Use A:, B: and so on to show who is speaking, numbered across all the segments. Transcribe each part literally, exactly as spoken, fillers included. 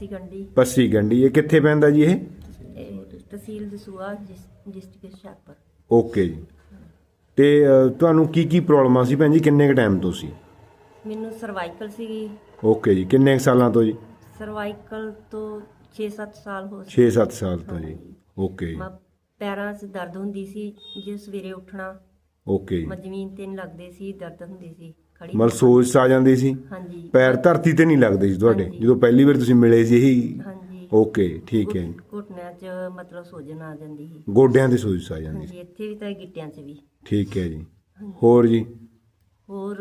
A: ਗੰਢੀ
B: ਪੱਸੀ ਗੰਢੀ ਇਹ ਕਿੱਥੇ ਪੈਂਦਾ ਜੀ ਇਹ?
A: ਇਹ ਤਹਿਸੀਲ ਦਸੂਹਾ ਡਿਸਟ੍ਰਿਕਟ ਹੁਸ਼ਿਆਰਪੁਰ।
B: ਓਕੇ ਜੀ। ਤੇ ਅ, ਤੁਹਾਨੂੰ ਕੀ ਕੀ ਪ੍ਰੋਬਲਮਾਂ ਸੀ ਭੈਣ ਜੀ, ਕਿੰਨੇ ਕੁ ਟਾਈਮ ਤੋਂ ਸੀ?
A: ਮੈਨੂੰ ਸਰਵਾਈਕਲ ਸੀਗੀ।
B: ਓਕੇ ਜੀ। ਕਿੰਨੇ ਕੁ ਸਾਲਾਂ ਤੋਂ ਜੀ?
A: ਸਰਵਾਈਕਲ ਤੋਂ ਛੇ ਸੱਤ ਸਾਲ ਹੋ
B: ਛੇ ਸੱਤ ਸਾਲ ਤੋਂ ਜੀ। ਓਕੇ ਜੀ।
A: ਮੈਂ ਪੈਰਾਂ 'ਚ ਦਰਦ ਹੁੰਦੀ ਸੀ, ਜੇ ਸਵੇਰੇ ਉੱਠਣਾ
B: ਓਕੇ ਜੀ।
A: ਮੈਂ ਜ਼ਮੀਨ ਤੇ ਨਹੀਂ ਲੱਗਦੇ ਸੀ, ਦਰਦ ਹੁੰਦੀ ਸੀ ਖੜੀ।
B: ਮਤਲਬ ਸੋਜ ਆ ਜਾਂਦੀ ਸੀ,
A: ਹਾਂਜੀ।
B: ਪੈਰ ਧਰਤੀ ਤੇ ਨਹੀਂ ਲੱਗਦੇ ਸੀ ਤੁਹਾਡੇ
A: ਹਾਂਜੀ।
B: ਜਦੋਂ ਪਹਿਲੀ ਵਾਰ ਤੁਸੀਂ ਮਿਲੇ ਸੀ ਇਹੀ?
A: ਹਾਂਜੀ।
B: ਓਕੇ ਠੀਕ ਹੈ ਜੀ।
A: ਘੁਟਨਿਆਂ 'ਚ ਮਤਲਬ ਸੋਜਨ ਆ ਜਾਂਦੀ ਸੀ।
B: ਗੋਡਿਆਂ ਤੇ ਸੋਜ ਆ ਜਾਂਦੀ ਸੀ।
A: ਹਾਂਜੀ, ਇੱਥੇ ਵੀ ਤਾਂ ਗਿੱਟਿਆਂ 'ਚ ਵੀ।
B: ਠੀਕ ਹੈ ਜੀ। ਹੋਰ ਜੀ?
A: ਹੋਰ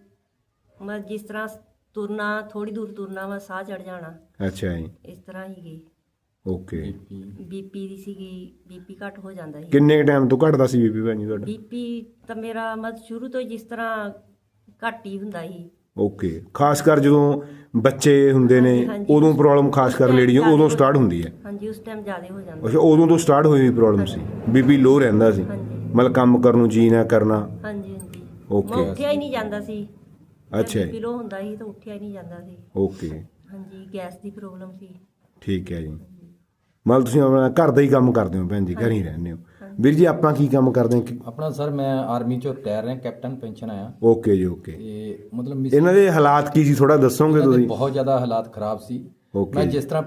A: ਮੈਂ ਜਿਸ ਤਰ੍ਹਾਂ ਤੁਰਨਾ, ਥੋੜੀ ਦੂਰ ਤੁਰਨਾ ਵਾ ਸਾਹ ਚੜ ਜਾਣਾ,
B: ਅੱਛਾ ਜੀ।
A: ਇਸ ਤਰ੍ਹਾਂ ਹੀ ਗਈ।
B: ਓਕੇ।
A: ਬੀਪੀ ਦੀ ਸੀਗੀ, ਬੀਪੀ ਘੱਟ ਹੋ ਜਾਂਦਾ ਸੀ।
B: ਕਿੰਨੇ ਟਾਈਮ ਤੋਂ ਘਟਦਾ ਸੀ ਬੀਪੀ ਭੈਣ ਜੀ ਤੁਹਾਡਾ?
A: ਬੀਪੀ ਤਾਂ ਮੇਰਾ ਮਤ ਸ਼ੁਰੂ ਤੋਂ ਹੀ ਜਿਸ ਤਰ੍ਹਾਂ ਘੱਟ ਹੀ ਹੁੰਦਾ ਸੀ।
B: ਓਕੇ। ਖਾਸ ਕਰ ਜਦੋਂ ਬੱਚੇ ਹੁੰਦੇ ਨੇ
A: ਹਾਂਜੀ, ਹਾਂਜੀ।
B: ਉਦੋਂ ਪ੍ਰੋਬਲਮ ਖਾਸ ਕਰ ਲੇਡੀਆਂ ਉਦੋਂ ਸਟਾਰਟ ਹੁੰਦੀ ਹੈ।
A: ਹਾਂਜੀ, ਉਸ ਟਾਈਮ ਜ਼ਿਆਦਾ ਹੋ ਜਾਂਦਾ।
B: ਅੱਛਾ, ਉਦੋਂ ਤੋਂ ਸਟਾਰਟ ਹੋਈ ਹੋਈ ਪ੍ਰੋਬਲਮ ਸੀ, ਬੀਪੀ ਲੋ ਰਹਿੰਦਾ ਸੀ,
A: ਹਾਂਜੀ।
B: ਮਤਲਬ ਕੰਮ ਕਰਨ ਨੂੰ ਜੀ ਨਾ ਕਰਨਾ।
A: ਹਾਂਜੀ ਹਾਂਜੀ।
B: ਓਕੇ।
A: ਮੈਂ ਉੱਠਿਆ ਹੀ ਨਹੀਂ ਜਾਂਦਾ ਸੀ।
B: ਅੱਛਾ ਜੀ।
A: ਬੀਪੀ ਲੋ ਹੁੰਦਾ ਸੀ ਤਾਂ ਉੱਠਿਆ ਹੀ ਨਹੀਂ ਜਾਂਦਾ ਸੀ।
B: ਓਕੇ
A: ਹਾਂਜੀ, ਗੈਸ ਦੀ ਪ੍ਰੋਬਲਮ ਸੀ।
B: ਠੀਕ ਹੈ ਜੀ। ਮਤਲਬ ਤੁਸੀਂ ਆਪਣਾ ਘਰ ਦਾ ਹੀ ਕੰਮ ਕਰਦੇ ਹੋ ਭੈਣ ਜੀ, ਘਰ ਹੀ ਰਹਿੰਦੇ ਹੋ। ਵੀਰ ਜੀ ਆਪਾਂ ਕੀ ਕੰਮ ਕਰਦੇ ਹਾਂ?
C: ਆਪਣਾ ਸਰ ਮੈਂ ਆਰਮੀ ਚੋਂ ਰਿਟਾਇਰ ਰਿਹਾ, ਕੈਪਟਨ ਪੈਨਸ਼ਨ ਆਇਆ।
B: ਓਕੇ ਜੀ। ਓਕੇ।
C: ਤੇ ਮਤਲਬ ਮਿਸ-
B: ਇਹਨਾਂ ਦੇ ਹਾਲਾਤ ਕੀ ਸੀ ਥੋੜਾ ਦੱਸੋਗੇ
C: ਇਹਨਾਂ ਦੇ
B: ਤੁਸੀਂ?
C: ਬਹੁਤ ਜ਼ਿਆਦਾ ਹਾਲਾਤ ਖਰਾਬ ਸੀ।
B: ਓਕੇ।
C: ਮੈਂ ਜਿਸ ਤਰ੍ਹਾਂ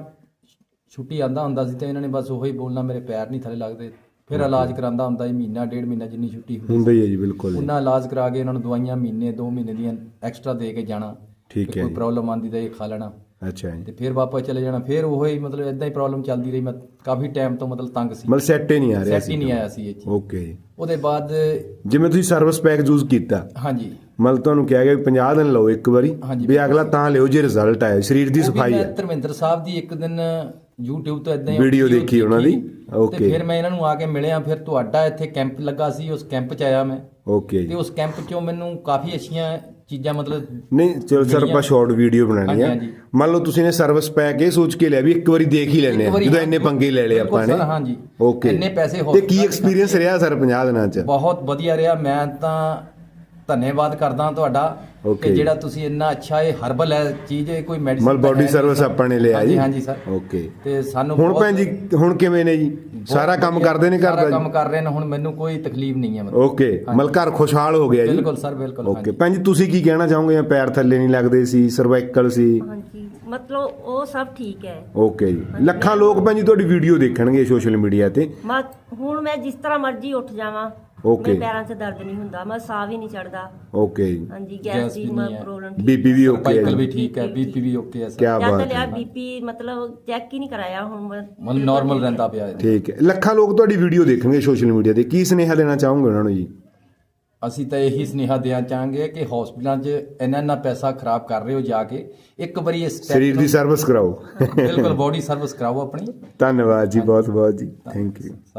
C: ਛੁੱਟੀ ਆਂਦਾ ਹੁੰਦਾ ਸੀ ਤੇ ਇਹਨਾਂ ਨੇ ਬਸ ਉਹੀ ਬੋਲਣਾ, ਮੇਰੇ ਪੈਰ ਨਹੀਂ ਥੱਲੇ ਲੱਗਦੇ। ਫਿਰ ਇਲਾਜ ਕਰਾਂਦਾ ਹੁੰਦਾ ਸੀ, ਮਹੀਨਾ ਡੇਢ ਮਹੀਨਾ ਜਿੰਨੀ ਛੁੱਟੀ ਹੁੰਦੀ
B: ਹੁੰਦਾ ਹੀ ਹੈ ਜੀ, ਬਿਲਕੁਲ ਜੀ।
C: ਉਹਨਾਂ ਇਲਾਜ ਕਰਾ ਕੇ ਇਹਨਾਂ ਨੂੰ ਦਵਾਈਆਂ ਮਹੀਨੇ ਦੋ ਮਹੀਨੇ ਦੀਆਂ ਐਕਸਟਰਾ ਦੇ ਕੇ ਜਾਣਾ।
B: ਠੀਕ ਹੈ
C: ਕੋਈ
B: ਜੀ।
C: ਪ੍ਰੋਬਲਮ ਆਂਦੀ ਤਾਂ ਇਹ ਖਾ ਲੈਣਾ
B: ਅੱਛਾ ਜੀ।
C: ਤੇ ਫਿਰ ਵਾਪਸ ਚਲੇ ਜਾਣਾ। ਫਿਰ ਉਹੀ ਮਤਲਬ ਇਦਾਂ ਹੀ ਪ੍ਰੋਬਲਮ ਚੱਲਦੀ ਰਹੀ। ਮੈਂ ਕਾਫੀ ਟਾਈਮ ਤੋਂ ਮਤਲਬ ਤੰਗ ਸੀ,
B: ਮਤਲਬ ਸੈੱਟ ਹੀ ਨਹੀਂ ਆ ਰਿਹਾ
C: ਸੈੱਟ ਹੀ ਨਹੀਂ ਆਇਆ ਸੀ ਇਹ ਚੀਜ਼।
B: ਓਕੇ ਜੀ।
C: ਉਹਦੇ ਬਾਅਦ
B: ਜਿਵੇਂ ਤੁਸੀਂ ਸਰਵਿਸ ਪੈਕ ਯੂਜ਼ ਕੀਤਾ,
C: ਹਾਂਜੀ
B: ਮਤਲਬ ਤੁਹਾਨੂੰ ਕਿਹਾ ਗਿਆ ਵੀ ਪੰਜਾਹ ਦਿਨ ਲਓ ਇੱਕ ਵਾਰੀ,
C: ਹਾਂਜੀ।
B: ਵੀ ਅਗਲਾ ਤਾਂ ਲਿਓ ਜੇ ਰਿਜ਼ਲਟ ਆਏ, ਸਰੀਰ ਦੀ
C: ਉਹ ਵੀ
B: ਸਫਾਈ
C: ਮੈਂ
B: ਹੈ।
C: ਧਰਮਿੰਦਰ ਸਾਹਿਬ ਦੀ ਇੱਕ ਦਿਨ YouTube ਤੋਂ ਇਦਾਂ ਹੀ
B: ਵੀਡੀਓ ਦੇਖੀ ਉਹਨਾਂ ਦੀ।
C: ਤੇ
B: ਓਕੇ।
C: ਫਿਰ ਮੈਂ ਇਹਨਾਂ ਨੂੰ ਆ ਕੇ ਮਿਲਿਆ। ਫਿਰ ਤੁਹਾਡਾ ਇੱਥੇ ਕੈਂਪ ਲੱਗਾ ਸੀ, ਉਸ ਕੈਂਪ 'ਚ ਆਇਆ ਮੈਂ।
B: ਓਕੇ
C: ਤੇ
B: ਜੀ।
C: ਉਸ ਕੈਂਪ 'ਚੋਂ ਮੈਨੂੰ ਕਾਫੀ ਅੱਛੀਆਂ ਚੀਜ਼ਾਂ ਮਤਲਬ
B: ਨਹੀਂ ਚਲੋ ਸਰ, ਆਪਾਂ ਸ਼ਾਰਟ ਵੀਡੀਓ ਬਣਾਣੀ
C: ਹਾਂਜੀ,
B: ਆ।
C: ਹਾਂਜੀ।
B: ਮੰਨ ਲਓ ਤੁਸੀਂ ਨੇ ਸਰਵਿਸ ਪੈਕ ਇਹ ਸੋਚ ਕੇ ਲਿਆ ਵੀ ਇੱਕ ਵਾਰੀ ਦੇਖ ਹੀ ਲੈਣੇ
C: ਇੱਕ
B: ਆ,
C: ਵਾਰੀ
B: ਜਦੋਂ
C: ਹਾਂ,
B: ਇੰਨੇ ਪੰਗੇ ਲੈ ਲਏ
C: ਬਿਲਕੁਲ
B: ਆਪਾਂ ਨੇ।
C: ਸਰ, ਹਾਂਜੀ।
B: ਓਕੇ।
C: ਇੰਨੇ ਪੈਸੇ
B: ਤੇ ਕੀ
C: hospital
B: ਐਕਸਪੀਰੀਅੰਸ ਰਿਹਾ ਸਰ ਪੰਜਾਹ ਦਿਨਾਂ ਚ?
C: ਬਹੁਤ ਵਧੀਆ ਰਿਹਾ। ਮੈਂ ਤਾਂ ਧੰਨਵਾਦ ਕਰਦਾ ਤੁਹਾਡਾ
B: Okay।
C: ਕਿ ਜਿਹੜਾ ਤੁਸੀਂ ਇੰਨਾ ਅੱਛਾ ਇਹ ਹਰਬਲ ਹੈ ਚੀਜ਼, ਇਹ ਕੋਈ ਮੈਡੀਸਿਨ
B: ਮਤਲਬ ਬੋਡੀ ਸਰਵਿਸ ਆਪਾਂ ਨੇ ਲਿਆ ਜੀ।
C: ਹਾਂਜੀ ਹਾਂਜੀ ਸਰ।
B: ਓਕੇ।
C: ਤੇ ਸਾਨੂੰ
B: ਹੁਣ
C: ਬਹੁਤ-
B: ਭੈਣ ਜੀ ਹੁਣ ਕਿਵੇਂ ਨੇ ਜੀ? ਸਾਰਾ ਕੰਮ
C: ਵਧੀਆ,
B: ਕਰਦੇ ਨੇ
C: ਸਾਰਾ
B: ਘਰ ਦਾ
C: ਕੰਮ
B: ਜੀ?
C: ਕਰ ਰਹੇ ਨੇ ਹੁਣ, ਮੈਨੂੰ ਕੋਈ ਤਕਲੀਫ ਨਹੀਂ ਹੈ ਮਤਲਬ।
B: ਓਕੇ। ਮਤਲਬ ਘਰ ਖੁਸ਼ਹਾਲ ਹੋ ਗਿਆ ਜੀ?
C: ਬਿਲਕੁਲ ਸਰ, ਬਿਲਕੁਲ।
B: ਓਕੇ।
C: ਹਾਂਜੀ।
B: ਭੈਣ ਜੀ ਤੁਸੀਂ ਕੀ ਕਹਿਣਾ ਚਾਹੋਗੇ? ਪੈਰ ਥੱਲੇ ਨਹੀਂ ਲੱਗਦੇ ਸੀ, ਸਰਵਾਈਕਲ ਸੀ?
A: ਹਾਂਜੀ, ਮਤਲਬ ਉਹ ਸਭ ਠੀਕ ਹੈ।
B: ਓਕੇ ਜੀ। ਲੱਖਾਂ ਲੋਕ ਭੈਣ ਜੀ ਤੁਹਾਡੀ ਵੀਡੀਓ ਦੇਖਣਗੇ ਸੋਸ਼ਲ ਮੀਡੀਆ ਤੇ।
A: ਮੈਂ ਹੁਣ ਮੈਂ ਜਿਸ ਤਰ੍ਹਾਂ ਮਰਜ਼ੀ ਉੱਠ ਜਾਵਾਂ,
B: ਓਕੇ।
A: ਮੇਰੇ ਪੈਰਾਂ 'ਚ ਦਰਦ ਨਹੀਂ ਹੁੰਦਾ, ਮੈਂ ਸਾਹ ਵੀ ਨਹੀਂ ਚੜਦਾ।
B: ਓਕੇ ਜੀ।
A: ਹਾਂਜੀ,
C: ਗੈਸ
A: ਗੈਸ ਦੀ
C: ਵੀ
A: ਮੈਂ
C: ਨਹੀਂ ਹੈ।
A: ਪ੍ਰੋਬਲਮ
B: ਬੀਪੀ ਵੀ ਓਕੇ ਹੈ
C: ਸਰਵਾਈਕਲ ਵੀ
B: ਜੀ?
C: ਠੀਕ ਹੈ, ਬੀਪੀ ਵੀ ਓਕੇ ਹੈ ਸਰ।
B: ਕਿਆ
A: ਜਦ
B: ਬਾਤ
A: ਲਿਆ
B: ਹੈ।
A: ਬੀਪੀ ਮਤਲਬ ਚੈੱਕ ਹੀ ਨਹੀਂ ਕਰਾਇਆ ਹੁਣ ਮੈਂ।
C: ਮਨ ਨਾਰਮਲ ਰਹਿੰਦਾ ਪਿਆ ਹੈ।
B: ਠੀਕ ਹੈ। ਲੱਖਾਂ ਲੋਕ ਤੁਹਾਡੀ ਵੀਡੀਓ ਦੇਖਣਗੇ ਸੋਸ਼ਲ ਮੀਡੀਆ ਤੇ, ਕੀ ਸੁਨੇਹਾ ਦੇਣਾ ਚਾਹੋਗੇ ਉਹਨਾਂ ਨੂੰ ਜੀ?
C: ਅਸੀਂ ਤਾਂ ਇਹੀ ਸੁਨੇਹਾ ਦੇਣਾ ਚਾਹਾਂਗੇ ਕਿ ਹਸਪੀਟਲਾਂ 'ਚ ਇੰਨਾ ਇੰਨਾ ਪੈਸਾ ਖਰਾਬ ਕਰ ਰਹੇ ਹੋ, ਜਾ ਕੇ ਇੱਕ ਵਾਰੀ ਇਸ step
B: ਸਰੀਰ ਦੀ
C: ਤੋਂ-
B: ਸਰਵਿਸ ਕਰਾਓ।
C: ਬਿਲਕੁਲ ਬੋਡੀ ਸਰਵਿਸ ਕਰਾਓ ਆਪਣੀ।
B: ਧੰਨਵਾਦ ਜੀ, ਬਹੁਤ ਬਹੁਤ ਜੀ, ਥੈਂਕ ਯੂ।